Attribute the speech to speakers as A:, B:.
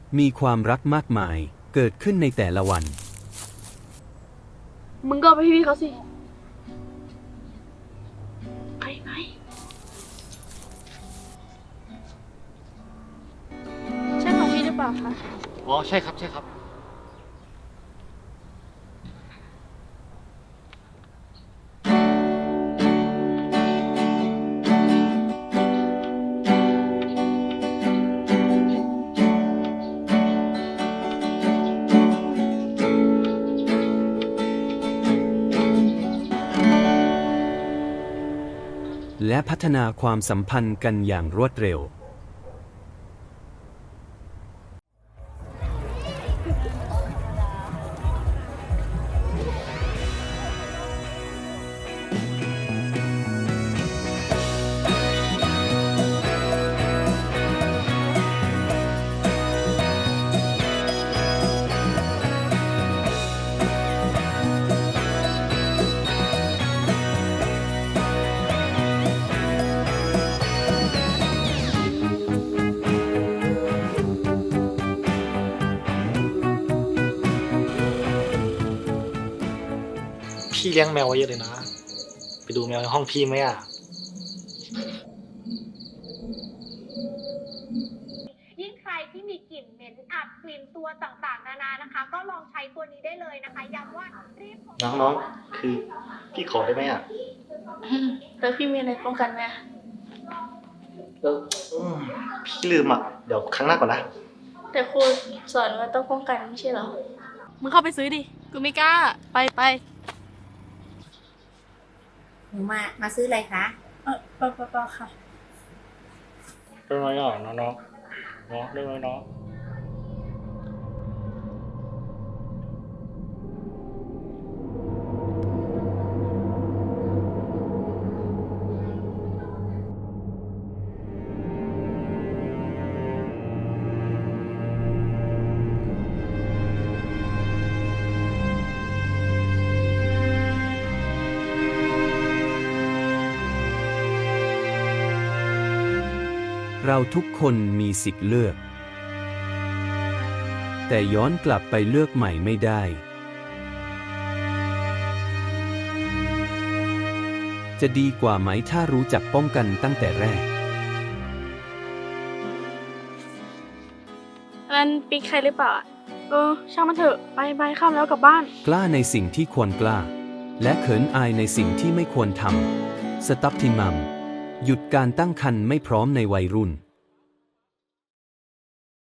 A: มีความรักมากมายเกิดขึ้นในแต่ละวัน
B: มึงก็ไปพี่เขาสิไปใช่ของพี่หรือเปล่าคะ
C: อ๋อใช่ครับใช่ครับ
A: และพัฒนาความสัมพันธ์กันอย่างรวดเร็ว
C: พี่เลี้ยงแมวไว้เยอะเลยนะ ไปดูแมวในห้องพี่ไหมอ่ะ
D: ยิ่งใครที่มีกลิ่นเหม็นอับกลิ่นตัวต่างๆนานานะคะ ก็ลองใช้ตัวนี้ได้เลยนะคะย้ำว่ารีบ
C: น้องๆคือพี่ขอได้ไหมอ่ะ
B: แล้วพี่มีอะไรป้องกันไหม
C: เออพี่ลืมอ่ะ เดี๋ยวครั้งหน้าก่อนนะ
B: แต่ครูสอนว่าต้องป้องกันไม่ใช่เหรอ
E: มึงเข้าไปซื้อดิ กูไม่กล้า ไป
F: หนูมาซื้ออะไรคะ
B: เปล่าค่ะ
C: ได้ไหมอ่ะน้องๆน้องได้ไหมน้อง
A: เราทุกคนมีสิทธิ์เลือก แต่ย้อนกลับไปเลือกใหม่ไม่ได้ จะดีกว่าไหมถ้ารู้จักป้องกันตั้งแต่แรก
B: นั่นปิ๊กใครหรือเปล่าอะช่างมันเถอะ ไปข้ามแล้วกลับบ้าน
A: กล้าในสิ่งที่ควรกล้า และเขินอายในสิ่งที่ไม่ควรทำ สต็อปทิมัม หยุดการตั้งครรภ์ไม่พร้อมในวัยรุ่น